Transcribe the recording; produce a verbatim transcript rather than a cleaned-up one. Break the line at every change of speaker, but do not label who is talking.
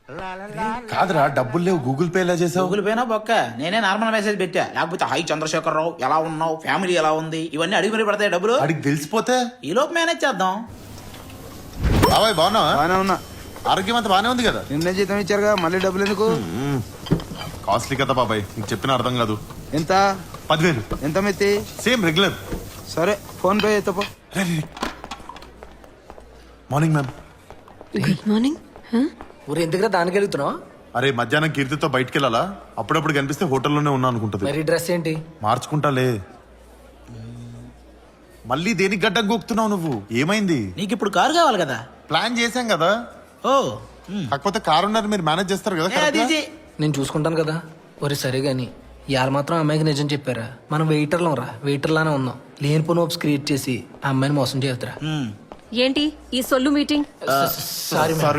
కాదురా డబ్బులు లేవు గూగుల్ పే ఎలా చేసావు?
గూగుల్ పేనా బొక్క నేనే నార్మల్ మెసేజ్ పెట్టా. లేకపోతే హై చంద్రశేఖర్ రావు ఎలా ఉన్నావు, ఫ్యామిలీ ఎలా ఉంది, ఇవన్నీ అడిగి మరి పడతాయి డబ్బులు.
అడిగి తెలిసిపోతే
ఈ లోపు మేనేజ్ చేద్దాం.
బాబాయ్ బాగున్నావా?
బానే ఉన్నా.
ఆరోగ్యం అంతా బానే ఉంది కదా?
నిన్నే జీతం ఇచ్చారుగా, మళ్ళీ డబ్బులు ఎందుకు?
కాస్ట్లీ కదా బాబాయ్, నీకు చెప్పిన అర్థం కాదు.
ఎంత?
పదివేలు.
ఎంత మెత్తి?
Same regular.
సరే ఫోన్ పే ఎత్తపో.
Morning ma'am.
Good morning.
ఊరు ఎందుకురా దానికి వెళ్తున్నావు?
అరే మధ్యాహ్నం కీర్తితో బయటికి వెళ్ళాలా? అప్పుడప్పుడు కనిపిస్తే హోటల్లోనే ఉన్నా అనుకుంటది.
మరి డ్రెస్ ఏంటి?
మార్చుకుంటాలే. మళ్ళీ దేనికి గడ్డం గోక్తున్నావు నువ్వు? ఏమైంది?
నీకు ఇప్పుడు కారు కావాలి కదా?
ప్లాన్ చేశాం కదా.
ఓ
కాకపోతే కారు ఉన్నారు, మీరు మేనేజ్ చేస్తారు కదా.
ఏ, అది
correct గా?
ఇది.
నేను చూసుకుంటాను కదా. ఒరే సరే గాని ఇవాళ మాత్రం అమ్మాయికి నిజం చెప్పారా? మనం వెయిటర్లం రా, వెయిటర్లానే ఉన్నాం. లేనిపోని హోప్స్ క్రియేట్ చేసి ఆ అమ్మాయిని మోసం చేద్దరా.
ఉమ్.
ఏంటి ఈ సొల్లు మీటింగ్?
Sorry
Sorry